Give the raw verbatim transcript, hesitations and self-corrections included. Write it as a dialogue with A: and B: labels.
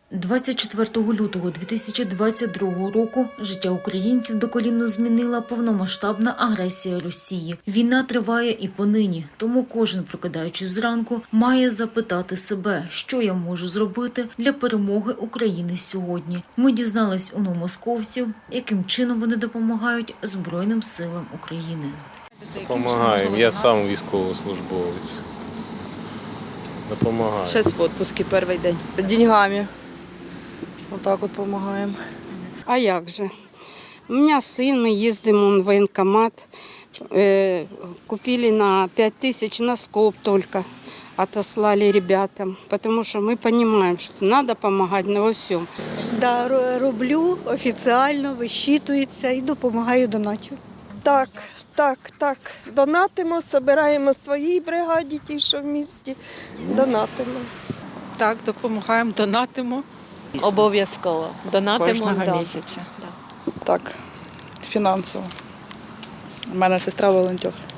A: двадцять четвертого лютого дві тисячі двадцять другого року життя українців докорінно змінила повномасштабна агресія Росії. Війна триває і понині, тому кожен, прокидаючись зранку, має запитати себе, що я можу зробити для перемоги України сьогодні. Ми дізнались у новомосковців, яким чином вони допомагають Збройним силам України.
B: Допомагаємо. Я сам військовослужбовець. Допомагаю.
C: Зараз в відпустці перший день.
D: Деньгами. Отак от допомагаємо.
E: А як же? У мене син, ми їздимо в воєнкомат, э, купили на п'ять тисяч носков только, отослали ребятам, потому что мы понимаем, что надо помогать во всем.
F: Да, роблю офіційно, висчитується і допомагаю донатів.
G: Так, так, так. Донатимо, збираємо своїй бригаді, ті, що в місті, донатимо.
C: Так, допомагаємо, донатимо.
H: Обов'язково. Донатимо
I: Кожного
H: да.
I: місяця.
D: Так, фінансово. У мене сестра волонтер.